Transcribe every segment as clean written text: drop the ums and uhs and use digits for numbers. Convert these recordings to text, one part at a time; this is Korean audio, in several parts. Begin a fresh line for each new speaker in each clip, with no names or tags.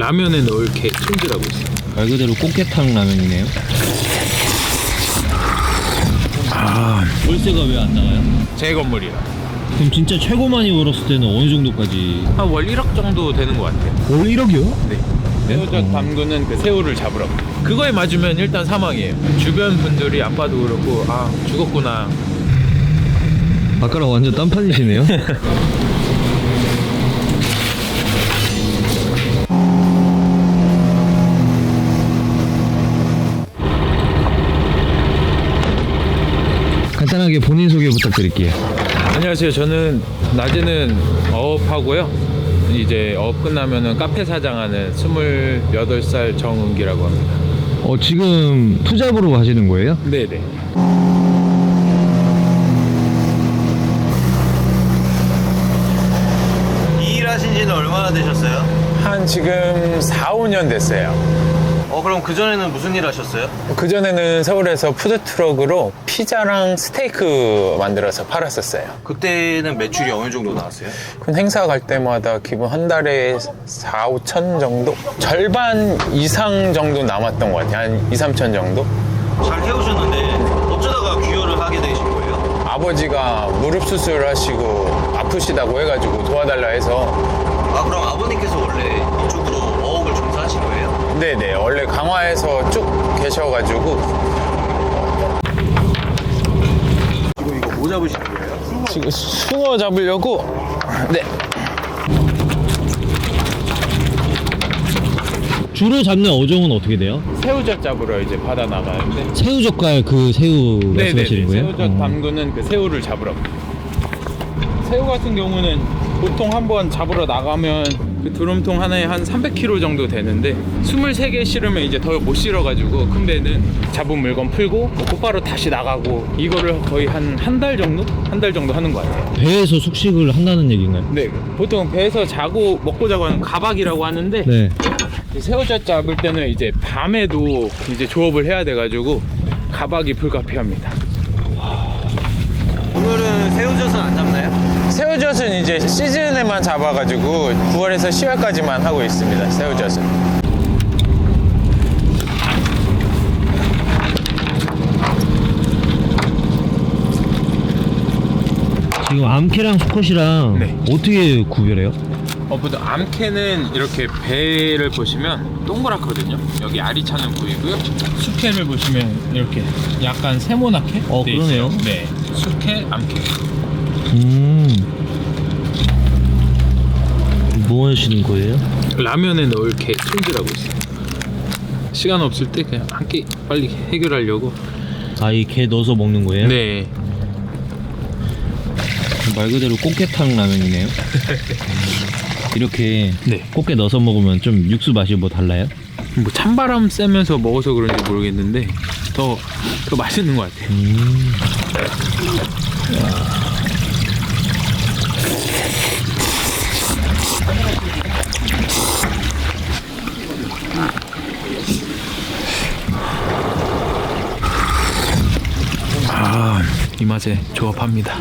라면에 넣을 게 손질하고 있어요.
말 그대로 꽃게탕 라면이네요. 월세가 왜 안 나와요?
제 건물이라.
그럼 진짜 최고 많이 벌었을 때는 어느 정도까지?
한 월 1억 정도 되는 것 같아요.
월 1억이요?
네. 새우젓 담그는 그 새우를 잡으라고. 그거에 맞으면 일단 사망이에요. 주변 분들이 아빠도 그렇고 아 죽었구나.
아까랑 완전 딴판이시네요. 간단하게 본인 소개 부탁드릴게요.
안녕하세요. 저는 낮에는 어업하고요. 이제 어업 끝나면은 카페 사장하는 28살 정은기라고 합니다.
지금 투잡으로 하시는 거예요?
네네.
이 일 하신 지는 얼마나 되셨어요?
한 지금 4, 5년 됐어요.
그럼 그전에는 무슨 일 하셨어요?
그전에는 서울에서 푸드트럭으로 피자랑 스테이크 만들어서 팔았었어요.
그때는 매출이 어느 정도 나왔어요?
그럼 행사 갈 때마다 기본 한 달에 4, 5천 정도? 절반 이상 정도 남았던 것 같아요. 한 2, 3천 정도?
잘 해오셨는데 어쩌다가 귀여를 하게 되신 거예요?
아버지가 무릎 수술을 하시고 아프시다고 해가지고 도와달라 해서.
그럼 아버님께서 원래 이쪽으로 어업을 종사하신 거예요?
네네. 원래 강화에서 쭉 계셔가지고.
이거 뭐 잡으시는 거예요?
지금 숭어 잡으려고. 네.
주로 잡는 어종은 어떻게 돼요?
새우젓 잡으러 이제 바다 나가는데.
새우젓갈 그 새우 말씀하시는 거예요?
새우젓 담그는 그 새우를 잡으라고. 새우 같은 경우는 보통 한번 잡으러 나가면 그 드럼통 하나에 한 300kg 정도 되는데 23개 실으면 이제 더 못 실어가지고 큰 배는 잡은 물건 풀고 곧바로 다시 나가고 이거를 거의 한 달 정도? 한 달 정도 하는 것 같아요.
배에서 숙식을 한다는 얘기인가요?
네, 보통 배에서 자고 먹고 자고 하는 가박이라고 하는데
네.
이 새우젓 잡을 때는 이제 밤에도 이제 조업을 해야 돼가지고 가박이 불가피합니다.
오늘은 새우젓은 안 잡나요?
새우젓은 이제 시즌에만 잡아가지고 9월에서 10월까지만 하고 있습니다. 새우젓은.
지금 암캐랑 수컷이랑
네.
어떻게 구별해요?
보통 암캐는 이렇게 배를 보시면 동그랗거든요. 여기 알이 차는 부위고요. 수캐를 보시면 이렇게 약간 세모나게 돼
그러네요.
있어요. 네, 수캐, 암캐.
뭐 하시는 거예요?
라면에 넣을 게 손질하고 있어요. 시간 없을 때 그냥 한 끼 빨리 해결하려고.
이 게 넣어서 먹는 거예요?
네.
말 그대로 꽃게탕 라면이네요. 이렇게
네.
꽃게 넣어서 먹으면 좀 육수 맛이 뭐 달라요?
뭐 찬바람 쐬면서 먹어서 그런지 모르겠는데 더 맛있는 것 같아요. 이 맛에 조합합니다.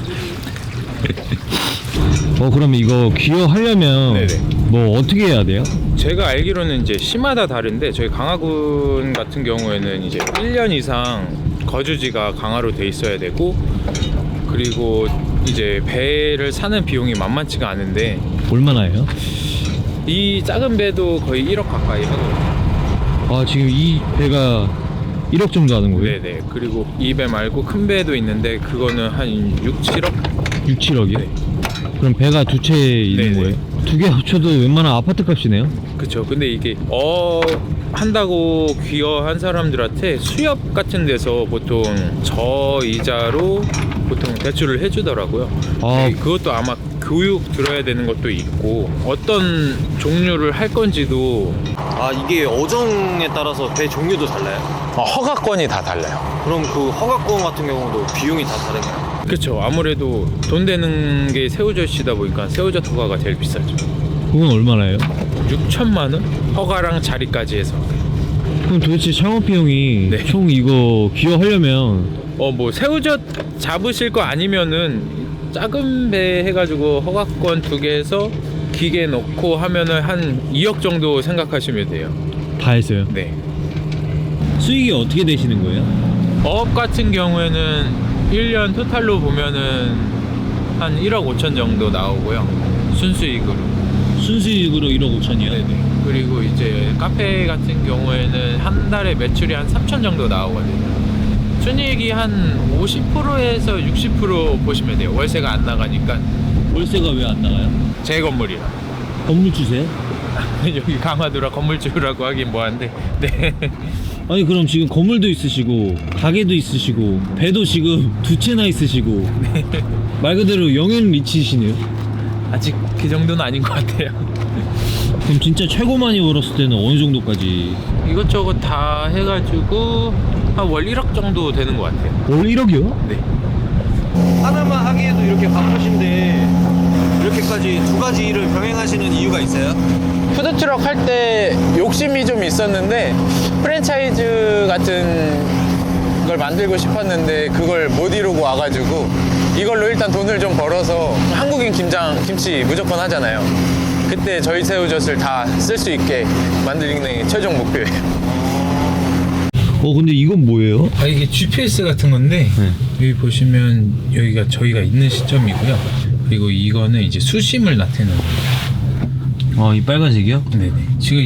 그러면 이거 귀여하려면
네네.
뭐 어떻게 해야 돼요?
제가 알기로는 이제 시마다 다른데 저희 강화군 같은 경우에는 이제 1년 이상 거주지가 강화로 돼 있어야 되고 그리고 이제 배를 사는 비용이 만만치가 않은데
얼마나 해요?
이 작은 배도 거의 1억 가까이 하거든요.
지금 이 배가 1억 정도 하는 거예요?
네네. 그리고 이 배 말고 큰 배도 있는데 그거는 한 6, 7억?
6, 7억이요?
네.
그럼 배가 두 채 있는
네네.
거예요? 두 개 합쳐도 웬만한 아파트 값이네요?
그쵸. 근데 이게 한다고 귀여한 사람들한테 수협 같은 데서 보통 저이자로 보통 대출을 해주더라고요. 그것도 아마 교육 들어야 되는 것도 있고 어떤 종류를 할 건지도
이게 어종에 따라서 배 종류도 달라요?
허가권이 다 달라요.
그럼 그 허가권 같은 경우도 비용이 다 다른가요?
그쵸. 아무래도 돈 되는 게 새우젓이다 보니까 새우젓 허가가 제일 비싸죠.
그건 얼마나 해요?
6천만 원? 허가랑 자리까지 해서.
그럼 도대체 창업 비용이
네.
총 이거 귀여하려면
뭐 새우젓 잡으실 거 아니면은 작은 배 해가지고 허가권 2개 해서 기계 넣고 하면은 한 2억 정도 생각하시면 돼요.
다 했어요?
네.
수익이 어떻게 되시는 거예요?
어업 같은 경우에는 1년 토탈로 보면은 한 1억 5천 정도 나오고요. 순수익으로.
순수익으로 1억 5천이요?
네네. 그리고 이제 카페 같은 경우에는 한 달에 매출이 한 3천 정도 나오거든요. 순이익이 한 50%에서 60% 보시면 돼요. 월세가 안 나가니까.
월세가 왜 안 나가요?
제 건물이라.
건물 주세요?
여기 강화도라 건물주라고 하긴 뭐한데. 네.
아니 그럼 지금 건물도 있으시고 가게도 있으시고 배도 지금 2채나 있으시고 말 그대로 영앤 리치시네요.
아직 그 정도는 아닌 것 같아요.
그럼 진짜 최고 많이 벌었을 때는 어느 정도까지?
이것저것 다 해가지고 한 월 1억 정도 되는 것 같아요.
월 1억이요?
네.
하나만 하기에도 이렇게 바쁘신데 이렇게까지 두 가지 일을 병행하시는 이유가 있어요?
푸드트럭 할 때 욕심이 좀 있었는데 프랜차이즈 같은 걸 만들고 싶었는데 그걸 못 이루고 와가지고 이걸로 일단 돈을 좀 벌어서 한국인 김치 무조건 하잖아요. 그때 저희 새우젓을 다 쓸 수 있게 만드는 게 최종 목표예요.
근데 이건 뭐예요?
이게 GPS 같은 건데 여기 보시면 여기가 저희가 있는 시점이고요. 그리고 이거는 이제 수심을 나타내는 거예요.
이 빨간색이요?
네네. 지금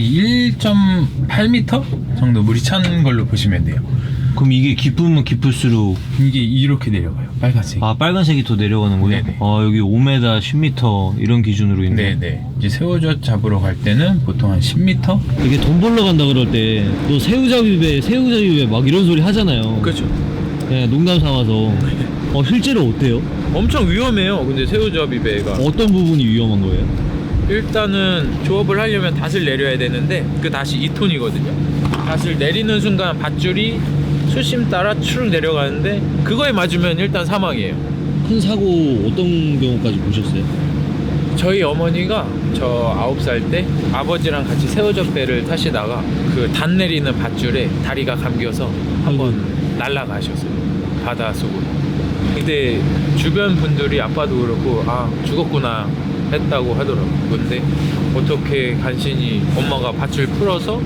1.8m 정도 물이 찬 걸로 보시면 돼요.
그럼 이게 깊으면 깊을수록
이게 이렇게 내려가요. 빨간색.
빨간색이 더 내려가는 거예요?
네네.
여기 5m, 10m 이런 기준으로 있네.
네네. 이제 새우젓 잡으러 갈 때는 보통 한 10m?
이게 돈 벌러 간다 그럴 때 너 새우잡이배 막 이런 소리 하잖아요.
그렇죠.
네, 농담 삼아서. 실제로 어때요?
엄청 위험해요. 근데 새우젓이 배가
어떤 부분이 위험한 거예요?
일단은 조업을 하려면 닷을 내려야 되는데 그 닷이 2톤이거든요. 닷을 내리는 순간 밧줄이 수심 따라 추룩 내려가는데 그거에 맞으면 일단 사망이에요.
큰 사고 어떤 경우까지 보셨어요?
저희 어머니가 저 9살 때 아버지랑 같이 새우젓 배를 타시다가 그 닷 내리는 밧줄에 다리가 감겨서 한번 날아가셨어요. 바다 속으로. 근데 주변 분들이 아빠도 그렇고 죽었구나 했다고 하더라고요. 근데 어떻게 간신히 엄마가 밧줄 풀어서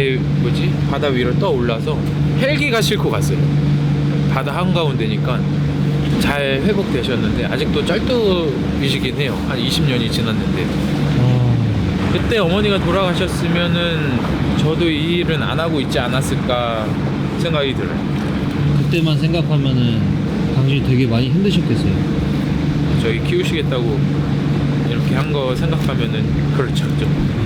바다 위로 떠올라서 헬기가 싣고 갔어요. 바다 한가운데니까 잘 회복되셨는데 아직도 쩔뚝이시긴 해요. 한 20년이 지났는데 그때 어머니가 돌아가셨으면은 저도 이 일은 안 하고 있지 않았을까 생각이 들어요.
그때만 생각하면은 당신이 되게 많이 힘드셨겠어요.
저희 키우시겠다고 이렇게 한 거 생각하면은 그렇죠. 좀.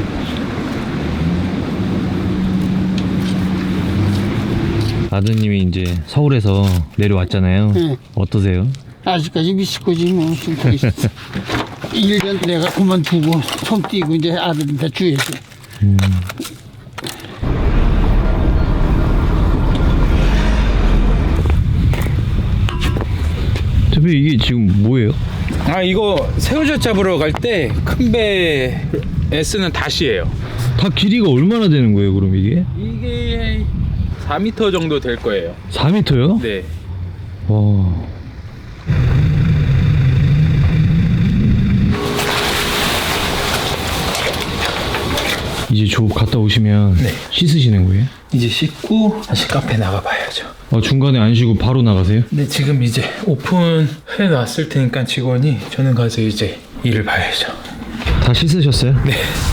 아드님이 이제 서울에서 내려왔잖아요.
네.
어떠세요?
아직까지 미식거지 뭐. 1년 내가 그만두고 손 띄고 이제 아들한테 줘야지.
대표 이게 지금 뭐예요?
이거 새우젓 잡으러 갈 때 큰 배에 쓰는 닷이에요.
다 길이가 얼마나 되는 거예요 그럼 이게?
이게 4m 정도 될 거예요.
4m요?
네.
와. 이제 조업 갔다 오시면
네.
씻으시는 거예요?
이제 씻고 다시 카페 나가봐야죠.
중간에 안 쉬고 바로 나가세요?
네, 지금 이제 오픈해 놨을 테니까 직원이 저는 가서 이제 일을 봐야죠.
다 씻으셨어요?
네.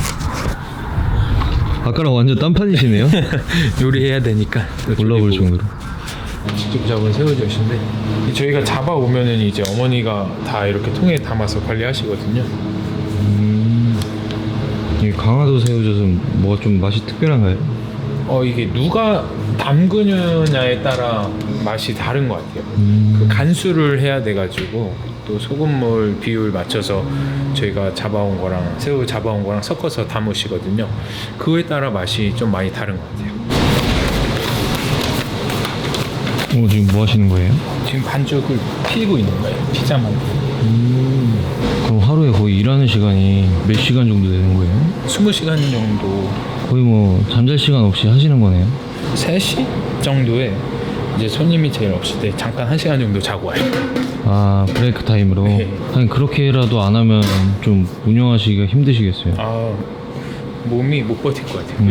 아까랑 완전 딴판이시네요?
요리해야 되니까
올라올 정도로.
직접 잡은 새우젓인데 저희가 잡아오면은 이제 어머니가 다 이렇게 통에 담아서 관리하시거든요.
이 강화도 새우젓은 뭐가 좀 맛이 특별한가요?
이게 누가 담그느냐에 따라 맛이 다른 것 같아요. 그 간수를 해야 돼가지고 또 소금물 비율 맞춰서 저희가 잡아온 거랑 새우 잡아온 거랑 섞어서 담으시거든요. 그거에 따라 맛이 좀 많이 다른 것 같아요.
지금 뭐 하시는 거예요?
지금 반죽을 피고 있는 거예요. 피자만.
그럼 하루에 거의 일하는 시간이 몇 시간 정도 되는 거예요?
20시간 정도,
거의 뭐 잠잘 시간 없이 하시는 거네요?
3시 정도에 이제 손님이 제일 없을 때 잠깐 1시간 정도 자고 와요.
아, 브레이크 타임으로.
네.
아니 그렇게라도 안 하면 좀 운영하시기가 힘드시겠어요.
아, 몸이 못 버틸 것 같아요.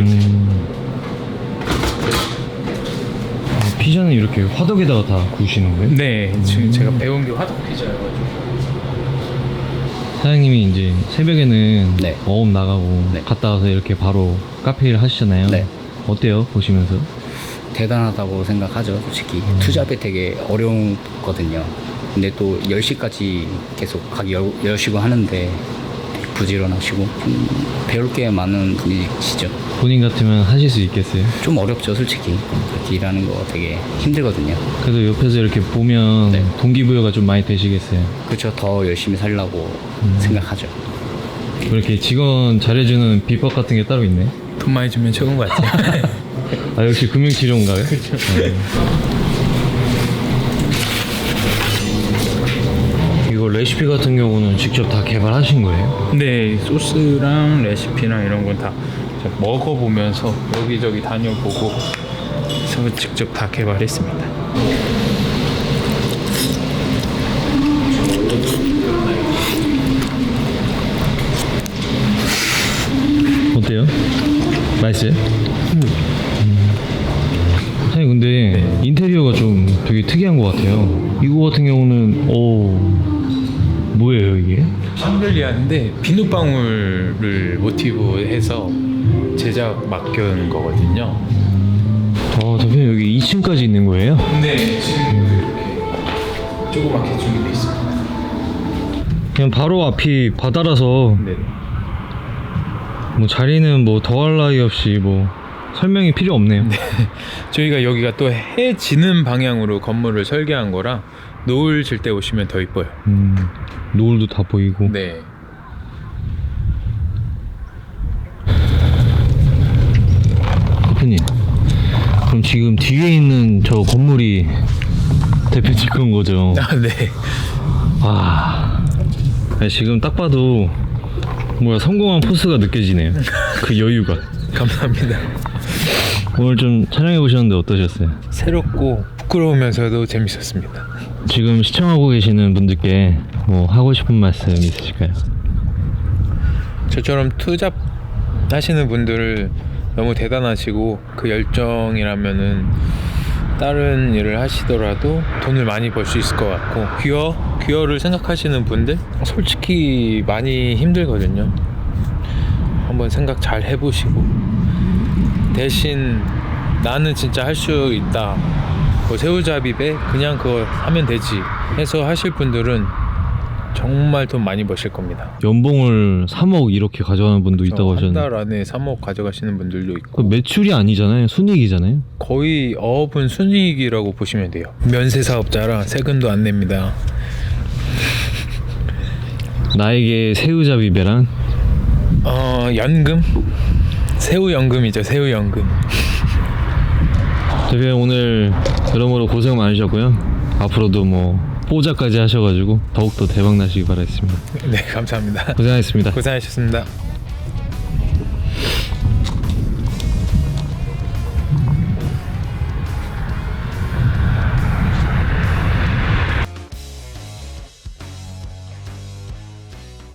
아, 피자는 이렇게 화덕에다가 다 구우시는 거예요?
네, 지금 제가 배운 게 화덕 피자여가지고.
사장님이 이제 새벽에는
네.
어업 나가고
네.
갔다 와서 이렇게 바로 카페 일 하시잖아요.
네.
어때요? 보시면서?
대단하다고 생각하죠. 솔직히 투잡이 되게 어려웠거든요. 근데 또 10시까지 계속 가게 여시고 하는데 부지런하시고 배울 게 많은 분이시죠.
본인 같으면 하실 수 있겠어요?
좀 어렵죠, 솔직히. 그렇게 일하는 거 되게 힘들거든요.
그래도 옆에서 이렇게 보면
네.
동기부여가 좀 많이 되시겠어요?
그렇죠. 더 열심히 살려고 생각하죠.
이렇게 직원 잘해주는 비법 같은 게 따로 있네.
돈 많이 주면 최고인 것 같아요.
아, 역시 금융치료인가요?
그렇죠.
이거 레시피 같은 경우는 직접 다 개발하신 거예요?
네, 소스랑 레시피랑 이런 건 다 먹어보면서 여기저기 다녀보고 해서 직접 다 개발했습니다.
어때요? 맛있어요? 사장님 근데 인테리어가 좀 되게 특이한 것 같아요. 이거 같은 경우는 뭐예요 이게?
샹들리아인데 비눗방울을 모티브해서 제작 맡겨놓은 거거든요.
대표님 여기 2층까지 있는 거예요?
네, 지금 이렇게 조그맣게 준비되어 있습니다.
그냥 바로 앞이 바다라서
네.
뭐 자리는 뭐 더할 나위 없이 뭐 설명이 필요 없네요.
저희가 여기가 또 해 지는 방향으로 건물을 설계한 거라 노을 질 때 오시면 더 이뻐요.
노을도 다 보이고.
네.
대표님, 그럼 지금 뒤에 있는 저 건물이 대표님 건 거죠?
아, 네.
와, 지금 딱 봐도 뭐야 성공한 포스가 느껴지네요. 그 여유가.
감사합니다.
오늘 좀 촬영해 보셨는데 어떠셨어요?
새롭고 부끄러우면서도 재밌었습니다.
지금 시청하고 계시는 분들께 뭐 하고 싶은 말씀 있으실까요?
저처럼 투잡 하시는 분들을 너무 대단하시고 그 열정이라면은 다른 일을 하시더라도 돈을 많이 벌 수 있을 것 같고 귀어를 생각하시는 분들 솔직히 많이 힘들거든요. 한번 생각 잘 해보시고 대신 나는 진짜 할 수 있다, 뭐 새우잡이배 그냥 그거 하면 되지 해서 하실 분들은 정말 돈 많이 버실 겁니다.
연봉을 3억 이렇게 가져가는 분도 있다고
한
하셨는데
달 안에 3억 가져가시는 분들도
그
있고
매출이 아니잖아요. 순이익이잖아요.
거의 어업은 순이익이라고 보시면 돼요. 면세 사업자라 세금도 안 냅니다.
나에게 새우잡이배란?
연금? 새우연금이죠. 새우연금.
대표님 오늘 여러모로 고생 많으셨고요. 앞으로도 뭐 뽀자까지 하셔가지고 더욱더 대박 나시기 바라겠습니다.
네, 감사합니다.
고생하셨습니다.
고생하셨습니다.